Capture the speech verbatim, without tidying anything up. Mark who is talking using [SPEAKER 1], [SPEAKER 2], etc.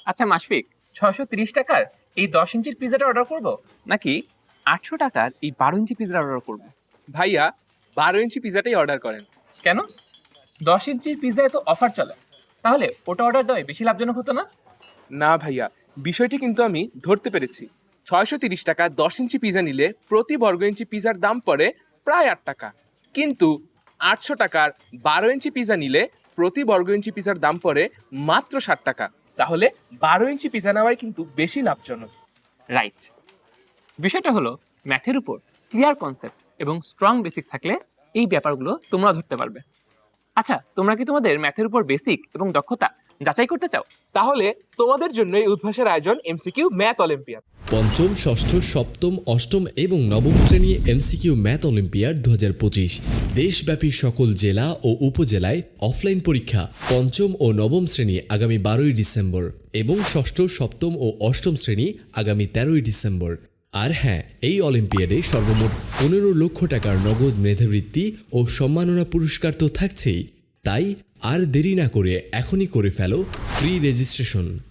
[SPEAKER 1] আচ্ছা মাশফিক, ছয়শো তিরিশ টাকার এই দশ ইঞ্চির পিজাটা অর্ডার করব, নাকি আটশো টাকার এই বারো ইঞ্চি পিজাটা অর্ডার করব?
[SPEAKER 2] ভাইয়া, বারো ইঞ্চি পিজাটাই অর্ডার করেন।
[SPEAKER 1] কেন? দশ ইঞ্চির পিজায় তো অফার চলে, তাহলে ওটা অর্ডার দেওয়াই বেশি লাভজনক হতো না?
[SPEAKER 2] না ভাইয়া, বিষয়টি কিন্তু আমি ধরতে পেরেছি। ছয়শো তিরিশ টাকা দশ ইঞ্চি পিজা নিলে প্রতি বর্গ ইঞ্চি পিজার দাম পড়ে প্রায় আট টাকা, কিন্তু আটশো টাকার বারো ইঞ্চি পিজা নিলে প্রতি বর্গ ইঞ্চি পিজার দাম পড়ে মাত্র ষাট টাকা। তাহলে বারো ইঞ্চি পিজা নেওয়াই কিন্তু বেশি লাভজনক।
[SPEAKER 1] রাইট। বিষয়টা হলো, ম্যাথের উপর ক্লিয়ার কনসেপ্ট এবং স্ট্রং বেসিক থাকলে এই ব্যাপারগুলো তোমরা ধরতে পারবে। আচ্ছা, তোমরা কি তোমাদের ম্যাথের উপর বেসিক এবং দক্ষতা যাচাই করতে চাও?
[SPEAKER 2] তাহলে তোমাদের জন্য এই উদ্ভাসের আয়োজন এমসিকিউ ম্যাথ অলিম্পিয়াড।
[SPEAKER 3] পঞ্চম, ষষ্ঠ, সপ্তম, অষ্টম এবং নবম শ্রেণী এমসিকিউ ম্যাথ অলিম্পিয়াড দু হাজার পঁচিশ দেশব্যাপী সকল জেলা ও উপজেলায় অফলাইন পরীক্ষা। পঞ্চম ও নবম শ্রেণী আগামী বারোই ডিসেম্বর এবং ষষ্ঠ, সপ্তম ও অষ্টম শ্রেণী আগামী তেরোই ডিসেম্বর। আর হ্যাঁ, এই অলিম্পিয়াডে সর্বমোট পনেরো লক্ষ টাকার নগদ মেধাবৃত্তি ও সম্মাননা পুরস্কার তো থাকছেই। তাই আর দেরি না করে এখনই করে ফেলো ফ্রি রেজিস্ট্রেশন।